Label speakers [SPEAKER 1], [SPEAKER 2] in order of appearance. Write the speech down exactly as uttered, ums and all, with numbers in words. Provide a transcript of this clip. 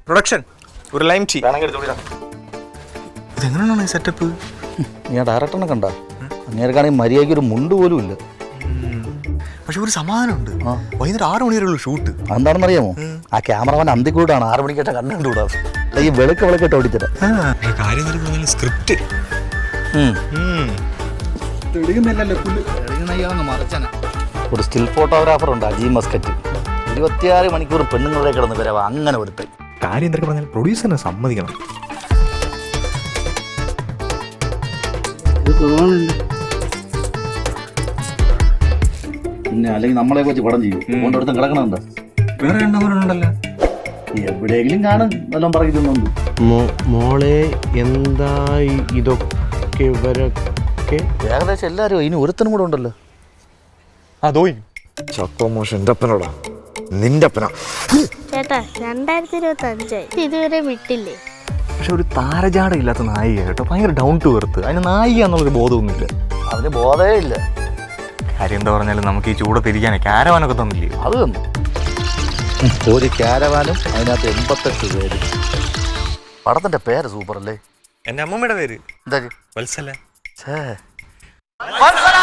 [SPEAKER 1] Production ഒരു lime tea. ഇതെങ്ങനെയാണ് ഈ സെറ്റപ്പ്?
[SPEAKER 2] ഞാൻ ഡയറക്ടറിനെ കണ്ട അങ്ങേർക്കാണെങ്കിൽ മര്യാദയ്ക്ക് ഒരു മുണ്ട് പോലും ഇല്ല.
[SPEAKER 1] പക്ഷെ ഒരു സമാധാനമുണ്ട്, വൈകുന്നേരം ആറ് മണി വരെയുള്ള ഷൂട്ട്.
[SPEAKER 2] എന്താണെന്ന് അറിയാമോ? ആ ക്യാമറമാൻ അന്തിക്കൂടാണ് ആറ് മണിക്കേട്ട കണ്ടുകൂടാ. ഈ വെളുക്ക വിളക്കിട്ട് ഓടിച്ചിട്ട്
[SPEAKER 1] സ്ക്രിപ്റ്റ്
[SPEAKER 2] ഒരു സ്റ്റിൽ ഫോട്ടോഗ്രാഫർ ഉണ്ട് അജി മസ്കറ്റ്. ഇരുപത്തിയാറ് മണിക്കൂർ പെണ്ണുങ്ങളുടെ കിടന്ന് വരവാ അങ്ങനെ ഒരുത്തൻ.
[SPEAKER 1] കാര്യം എന്തൊക്കെ പറഞ്ഞാൽ പ്രൊഡ്യൂസറിനെ സമ്മതിക്കണം.
[SPEAKER 2] പിന്നെ അല്ലെങ്കിൽ നമ്മളെ വെച്ച് പടം ചെയ്യും കൊണ്ടടുത്തും കിടക്കണുണ്ട്.
[SPEAKER 1] വേറെ എണ്ണവരുണ്ടല്ലോ,
[SPEAKER 2] എവിടെയെങ്കിലും കാണും എല്ലാം പറയുന്നുണ്ട്.
[SPEAKER 3] മോളെ എന്താ ഇതൊക്കെ ഇവരൊക്കെ
[SPEAKER 2] ഏകദേശം എല്ലാവരും ഇനി ഒരുത്തനും കൂടെ ഉണ്ടല്ലോ.
[SPEAKER 1] അതോ ചക്കോ മോശം എൻ്റെ അപ്പനോടാ, നിന്റെ അപ്പനാ.
[SPEAKER 4] ചേട്ടാ രണ്ടായിരത്തി ഇരുപത്തി അഞ്ചായി ഇതുവരെ വിട്ടില്ലേ?
[SPEAKER 1] പക്ഷെ ഒരു താരജാട ഇല്ലാത്ത നായിക കേട്ടോ, ഭയങ്കര ഡൗൺ ടു എർത്ത്. അതിന് നായിക എന്നുള്ളൊരു ബോധമൊന്നുമില്ല.
[SPEAKER 2] അതിന് ബോധമേ ഇല്ല.
[SPEAKER 1] കാര്യം എന്താ പറഞ്ഞാലും നമുക്ക് ഈ ചൂടത്തിരിക്കാനേ ക്യാരവാനൊക്കെ തന്നില്ലേ?
[SPEAKER 2] അത് തന്നു. ഒരു ക്യാരവാനും അതിനകത്ത് എൺപത്തെട്ട് പേര്. പടത്തിന്റെ പേര് സൂപ്പർ അല്ലേ?
[SPEAKER 1] എൻ്റെ അമ്മമ്മയുടെ പേര്
[SPEAKER 2] എന്താ?
[SPEAKER 1] വത്സല.
[SPEAKER 2] ഛേ